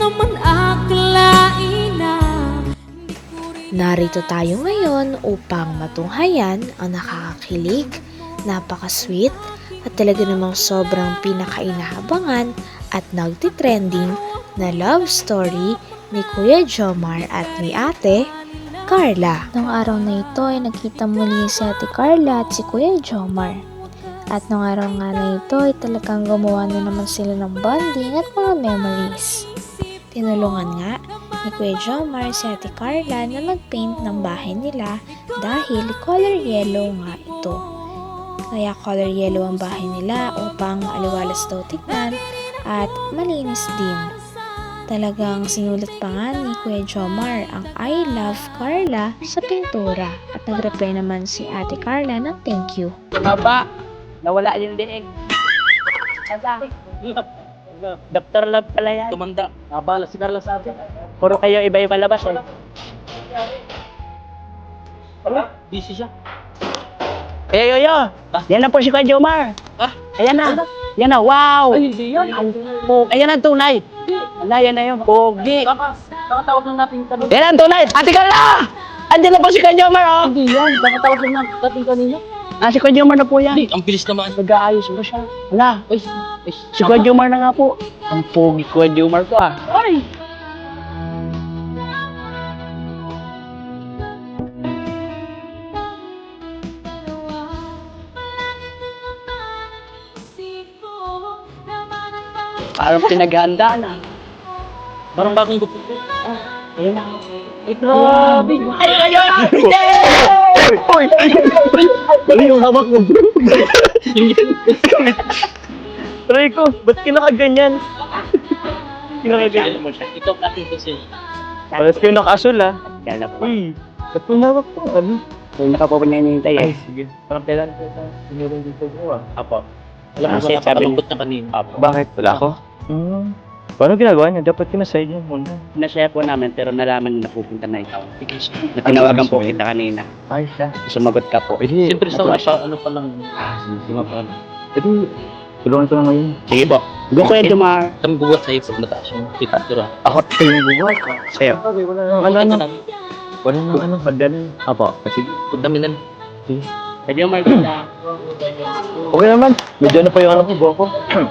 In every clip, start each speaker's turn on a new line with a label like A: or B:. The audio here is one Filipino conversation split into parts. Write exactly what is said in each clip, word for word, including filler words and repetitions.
A: naman akalain na.
B: Narito tayo ngayon upang matunghayan ang nakakakilig, napaka-sweet at talaga namang sobrang pinakainahabangan at nagtitrending na love story ni Kuya Jomar at ni Ate Carla. Noong araw na ito ay nagkita muli si Ate Carla at si Kuya Jomar. At noong araw nga na ito ay talagang gumawa na naman sila ng bonding at mga memories. Tinulungan nga ni Kuya Jomar si Ate Carla na mag-paint ng bahay nila dahil color yellow nga ito. Kaya color yellow ang bahay nila upang aliwalas daw tignan at malinis din. Talagang sinulat pa nga ni Kuya Jomar ang I love Carla sa pintura at nag-reply naman si Ate Carla ng thank you.
C: Baba, nawala yung leeg. Asa? Doktor Love pala yan. Tumanda. Nabala si Carla sa atin. Puro kayo iba-iba labas eh. Ano? Busy siya. Ay, yo, yo. Yan na po si Kuya Jomar. Ah? Ayan na. Yan na, wow. Ay, hindi yan. Ayan ang tunay. Wala, yan na yun. Pogi. Kakatawag lang natin kanina. Yan ang tunay. Ate Carla! Andiyan na po si Kuya Jomar, oh. Hindi yan. Kakatawag lang natin kanina. Ah, si Kuya Jomar na po yan. Hindi, ang bilis naman. Nag-aayos mo siya. Wala. Ay, si Kuya Jomar na nga po. Ang pogi Kuya Jomar ko, ah. Ay! Parang pinaghandaan ah. Parang bagong gupo. Ah, ayun na. Ay, grabe. Ay, ayun na! Uy! Ano yung hawak mo, bro? Rico, ba't kinakaganyan? Kinakaganyan mo siya. Ito kasi kasi. Ba't kayo nakasul ah? Kala po. Uy, ba't mo hawak po? Ano? Kung nakapapan na hinihintay eh. Ay, sige. Parang kailan ko sa sinurong dito ko ah. Apo. Alam ko na napakalungkot na kanina. Apo. Bakit? Wala ako? Hmm. Paano ginagawa niya? Dapat kinasay niya muna. Pinashare po namin pero nalaman na napupunta na ikaw. Na tinawagan po kita kanina. Ay, siya. Sumagot ka po. Eh, siyempre sa pa, ano pa lang. Hindi pa paano. Ito, tulungan ko na ngayon. Sige po. Go Kuya Jomar. Kami buwat sa'yo pag mataas yung picture. Ako tayo yung buwat. Sa'yo. Okay, wala na. Ano, ano? Wala na, ano? Magdala. Apo. Kasi, pundamin na. Sige. Kuya Jomar, kita. Okay naman. Medyo na pa yung ano ko, buwan ko.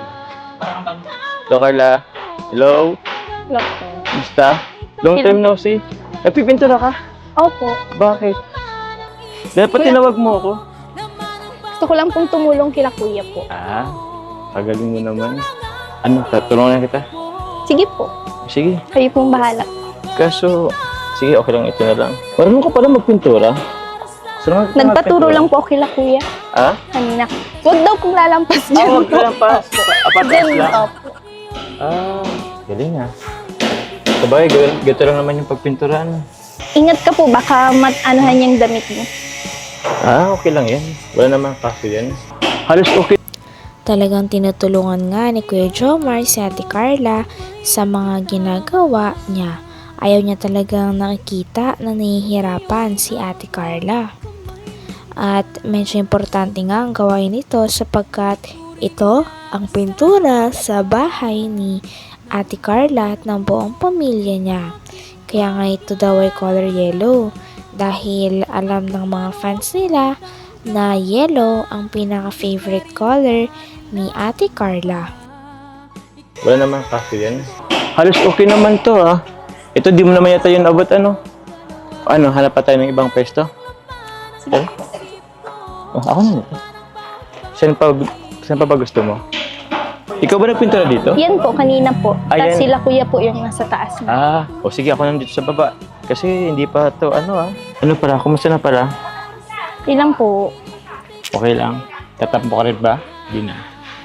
C: Hello, Carla. Hello.
D: Hello.
C: Basta? Long time no see. Nagpipintura ka?
D: Opo.
C: Bakit? Dapat tinawag mo ako.
D: Gusto ko lang pong tumulong kila kuya po.
C: Ah, pagaling mo naman. Ano, tatulungan kita?
D: Sige po.
C: Sige.
D: Kayo pong bahala.
C: Kaso, sige, okay lang ito na lang. Marunong ka pala magpintura. So,
D: Nagpaturo lang po kila kuya.
C: Ah?
D: Kanina. Huwag daw kong lalampas dyan.
C: Ah, huwag ka lang pa. Apatas
D: Dyan,
C: lang.
D: opo.
C: Ah, galing ah. Sabay, gato lang naman yung pagpinturaan.
D: Ingat ka po, baka mat-anuhan yung damit mo.
C: Ah, okay lang yan. Wala naman kaso yan. Halos okay.
B: Talagang tinutulungan nga ni Kuya Jomar si Ate Carla sa mga ginagawa niya. Ayaw niya talagang nakikita na nahihirapan si Ate Carla. At medyo importante nga ang gawain ito sapagkat ito ang pintura sa bahay ni Ate Carla at ng buong pamilya niya. Kaya nga ito daw ay color yellow dahil alam ng mga fans nila na yellow ang pinaka-favorite color ni Ate Carla.
C: Wala naman kaso yan. Halos okay naman to ah. Ito di mo naman yata yun abot ano. Ano, hanap pa tayo ng ibang pwesto? Sige. Oh, ako na nito. Saan pa, saan pa ba gusto mo? Ikaw ba nagpintura dito?
D: Yan po, kanina po.
C: Ayan.
D: Tapos sila kuya po yung nasa taas na.
C: Ah, o sige ako nandito sa baba. Kasi hindi pa to ano ah. Ano para? Kumusta na para?
D: Ilang po.
C: Okay lang. Tatampo ka rin ba? Hindi na.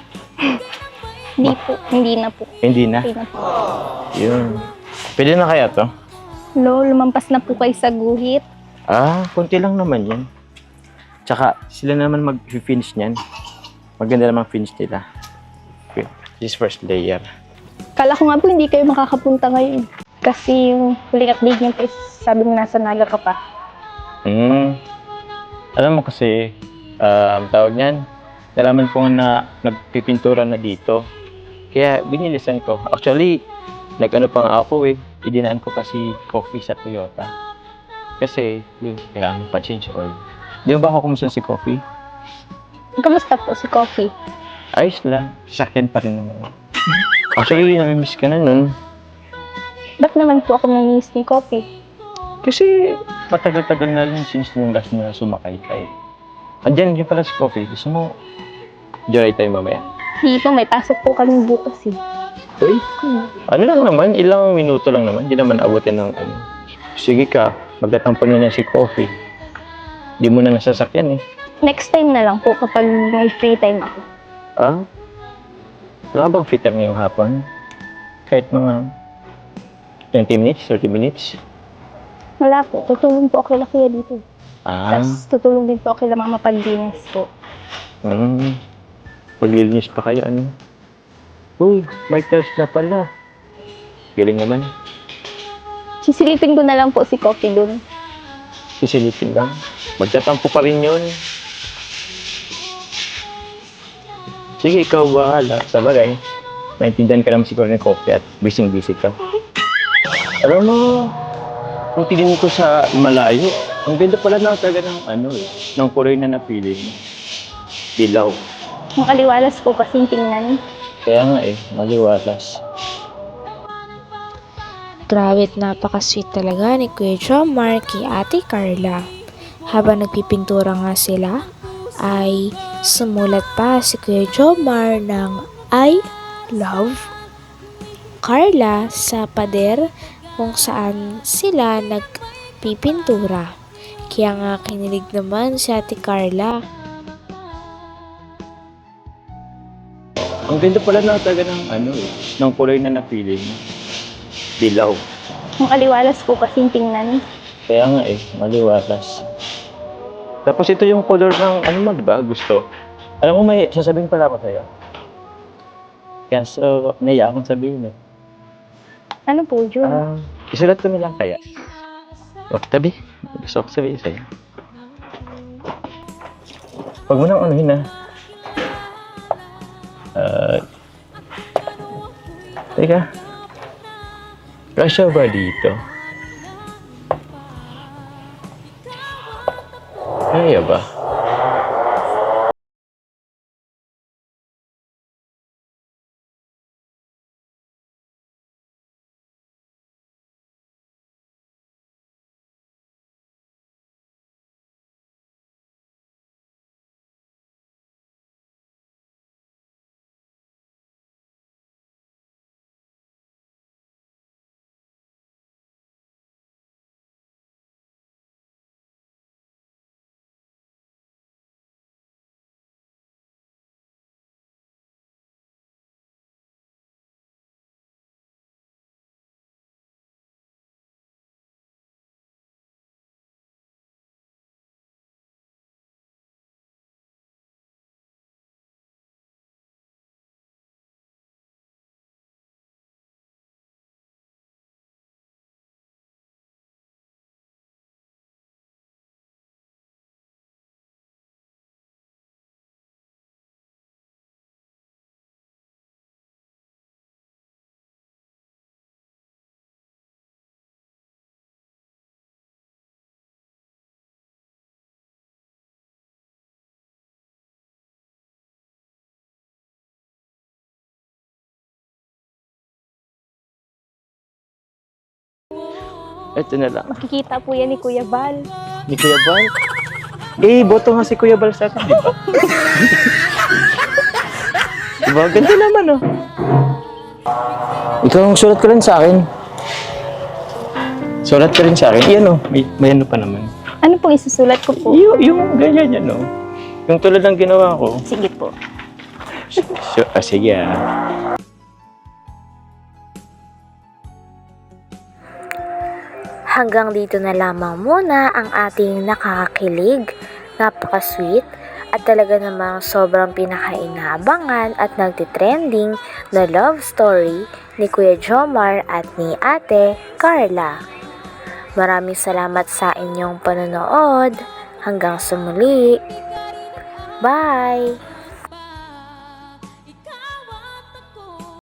D: Hindi po. Hindi na po.
C: Hindi na.
D: Hindi na po.
C: Yun. Pwede na kaya to?
D: Lo, lumampas na po kayo sa guhit.
C: Ah, konti lang naman yan. Tsaka sila naman mag-finish niyan. Maganda naman finish nila. Okay. This first layer.
D: Kala ko nga po hindi kayo makakapunta ngayon. Kasi yung huling update niyo po is sabi mo nasa Naga ka pa.
C: Hmm. Alam mo kasi, uh, ang tawag niyan, nalaman ko na nagpipintura na dito. Kaya binilisan ko. Actually, nag-ano pa nga ako eh. Idinaan ko kasi coffee sa Toyota. Kasi, yun, kailangan pa change oil. Di ba ako kumusta si coffee?
D: Kamusta po si Coffee?
C: Ayos lang. Sasakyan pa rin naman. Actually, namimiss ka na nun.
D: Ba't naman po ako nanginis ni Coffee?
C: Kasi matagal-tagal na rin since nung last na sumakay tayo. Andiyan din pala si Coffee. Gusto mo, joyride tayo mamaya.
D: Hindi po, may pasok po kami bukas eh.
C: Uy, ano lang naman, ilang minuto lang naman. Hindi naman abutin ng ano. Sige ka, magtatampo na na si Coffee. Di mo na nasasakyan eh.
D: Next time na lang po kapag may free time ako.
C: Ah? Wala bang fit time ngayong hapon? Kahit mga twenty minutes, thirty minutes?
D: Wala po, tutulong po ako kila kuya dito.
C: Ah,
D: Tapos tutulong din po ako kila mama paglinis po.
C: hmm. Maglilinis pa kayo, ano? Uy, may test na pala. Galing naman.
D: Sisilipin ko na lang po si Coffee dun.
C: Sisilipin lang. Magtatampo pa rin yun. Sige, ikaw bahala. Sa bagay, naintindihan ka naman siguro ng coffee at busy-busy ka. Alam mo, kung tingin ko sa malayo, ang ganda pala na talaga ng ano eh, ng kulay na napili mo. Dilaw.
D: Ang aliwalas po kasing tingnan.
C: Kaya nga eh, maliwalas.
B: Grabe at napaka-sweet talaga ni Kuya Jomar kay Ate Carla. Habang nagpipintura nga sila, ay sumulat pa si Kuya Jomar ng I love Carla sa pader kung saan sila nagpipintura. Kaya nga kinilig naman si Ate Carla.
C: Ang ganda pala na talaga ng ano eh, ng kulay na napili mo. Dilaw.
D: Ang aliwalas po kasing tingnan.
C: Kaya nga eh, maliwalas. Tapos ito yung color ng ano mo, di ba? Gusto. Alam mo, may sasabihin pala ako sa'yo. Kaya so, naiya akong sabihin eh.
D: Ano po, Jun?
C: Ah, isulat ko na lang kaya. O, tabi. Gusto ko sabihin sa'yo. Huwag mo nang anuhin ah. Ah... teka. Kasya ba dito? Kaya ba? Ito na lang.
D: Makikita po yan ni Kuya Bal.
C: Ni Kuya Bal? Eh, boto nga si Kuya Bal sa akin, di ba? Diba? Ganda naman, oh. Ikaw ang sulat ko rin sa akin. Sulat ka rin sa akin. Iyan, oh. May, may ano pa naman.
D: Ano pong isusulat ko po?
C: Yung, yung ganyan yan, oh. Yung tulad ng ginawa ko.
D: Sige po.
C: So, ah, sige, ah.
B: Hanggang dito na lamang muna ang ating nakakakilig, napaka-sweet, at talaga namang sobrang pinakainabangan at nagtitrending na love story ni Kuya Jomar at ni Ate Carla. Maraming salamat sa inyong panonood. Hanggang sa muli. Bye!